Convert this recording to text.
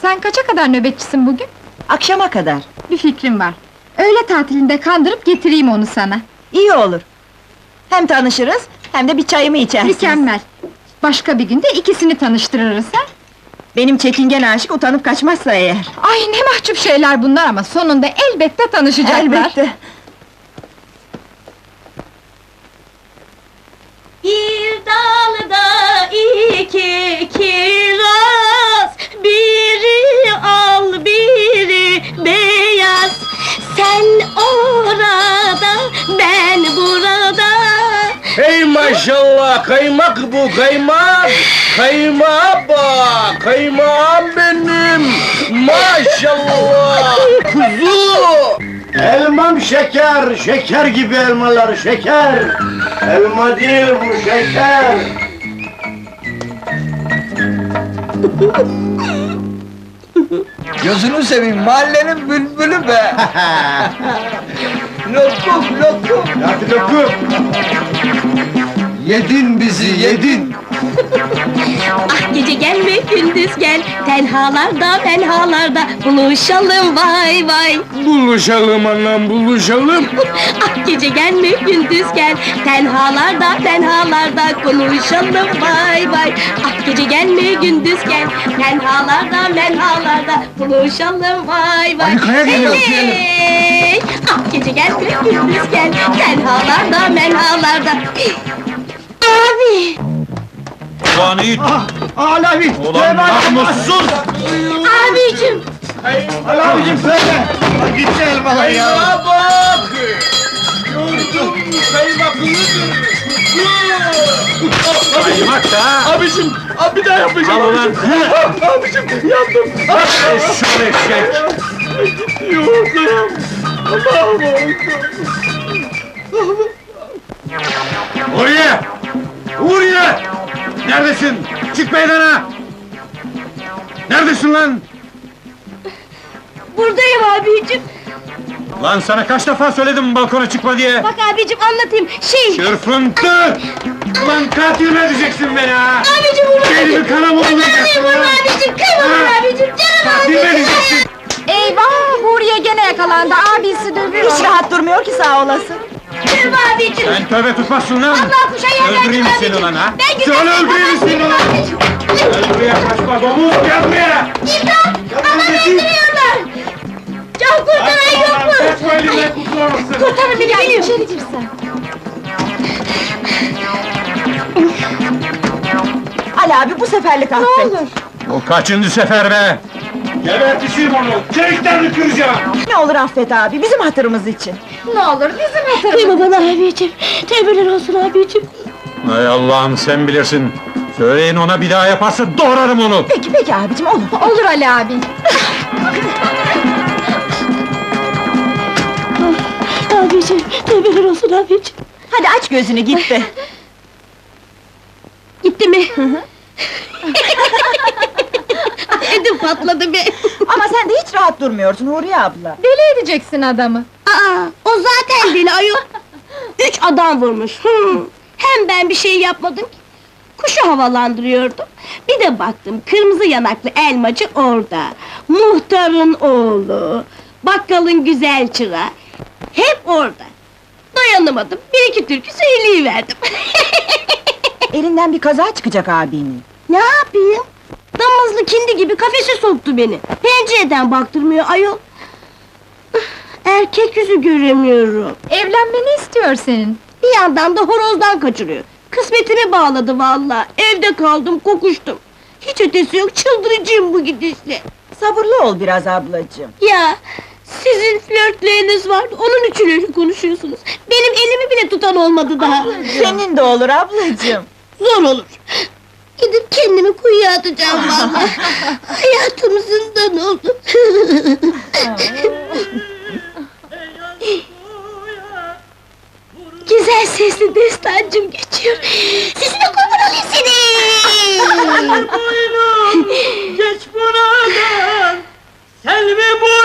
Sen kaça kadar nöbetçisin bugün? Akşama kadar. Bir fikrim var. Öğle tatilinde kandırıp getireyim onu sana. İyi olur. Hem tanışırız, hem de bir çayımı içersiniz. Mükemmel! Başka bir günde ikisini tanıştırırız ha? Benim çekingen aşık utanıp kaçmazsa eğer. Ay ne mahcup şeyler bunlar ama sonunda elbette tanışacaklar. Elbette. Bir dalda iki kiraz, biri al biri beyaz. Sen orada, ben burada. Hey maşallah, kaymak bu, kaymak! Kaymağa bak, kaymağım benim! Maşallah! Kuzu! Elmam şeker, şeker gibi elmalar, şeker! Elma değil bu, şeker! Gözünü seveyim, mahallenin bülbülü be! Lokum, lokum! Hadi lokum! Yedin bizi, yedin! Ah gece gelme gündüz gel, tenhalarda menhalarda buluşalım vay vay. Buluşalım anam, buluşalım! Ah gece gelme gündüz gel, tenhalarda menhalarda konuşalım vay vay. Ah gece gelme gündüz gel, tenhalarda menhalarda buluşalım vay vay. Harikaya geliyor, Hey! Ah gece gelme gündüz gel, tenhalarda menhalarda. Abi! Ulan Yiğit! Alavi! Ulan namussuz! Abicim! Abicim söyle! Gitti elmalar ya! Kaymağa bak! Gördüm, kaymaklıydı! Kaymak da! Abicim, bir daha yapacağım! Al ulan! Abicim, yandım! Eşşol eşek! Gidiyor, Allah'ım! Huriye! Huriye! Neredesin? Çık meydana! Neredesin lan? Buradayım abicim! Lan sana kaç defa söyledim balkona çıkma diye! Bak abicim anlatayım, Çırpıntı! Ulan katil mi edeceksin beni ha? Abicim vurma! Elimi kana mı vuracaksın Vurma lan? abicim, kıyma Ha? abicim, canım Katil mi abicim! edeceksin? Eyvah! Huriye gene yakalandı, abisi dövüyor! Hiç rahat durmuyor ki sağ olasın. Kıyma abicim! Sen tövbe tutmazsın lan! Allah kuşa yerden Öldüreyim çık seni abicim. ulan ha! Ben güzel Söyle öldüreyim seni ulan! Gel buraya kaçma domuz, gel buraya! İmdat! Aman dedim. öldürüyorlar! Can kurtaran yok mu? Kaçma elimden kurtulamazsın! Kurtarın beni, benim! İçeri girsen! Ali abi bu seferlik affet. Ne olur! Bu kaçıncı sefer be? Gebertişim onu, kemiklerini kıracağım! Ne olur affet abi, bizim hatırımız için. Ne olur bizim hatırımız! Kıyma bana abicim! Tevbeler olsun abicim! Hay Allah'ım sen bilirsin! Söyleyin ona bir daha yaparsa doğrarım onu! Peki peki abicim, olur. Olur Ali abi! Abicim, tevbeler olsun abicim! Hadi aç gözünü, gitti. Gitti mi? Ödüm patladı be! Ama sen de hiç rahat durmuyorsun Huriye abla. Deli edeceksin adamı! Aa, o zaten deli ayol! 3 adam vurmuş! Hem ben bir şey yapmadım ki! Kuşu havalandırıyordum, bir de baktım kırmızı yanaklı elmacı orada! Muhtarın oğlu, bakkalın güzel çırağı, hep orada! Dayanamadım, bir iki türkü söyleyiverdim! Elinden bir kaza çıkacak abinin. Ne yapayım? Damızlı kindi gibi kafese soktu beni! Pencereden baktırmıyor ayol! Erkek yüzü göremiyorum! Evlenmeni istiyor senin! Bir yandan da horozdan kaçırıyor. Kısmetimi bağladı vallahi. Evde kaldım, kokuştum. Hiç ötesi yok, çıldıracağım bu gidişle. Sabırlı ol biraz ablacığım. Ya, sizin flörtleriniz vardı, onun için öyle konuşuyorsunuz. Benim elimi bile tutan olmadı daha. Senin de olur ablacığım. Zor olur. Gidip kendimi kuyuya atacağım vallahi. Hayatım zindan oldu. Güzel sesli destancım geçiyor. Sesine kurban olayım seni! Geç buradan, Selvi bu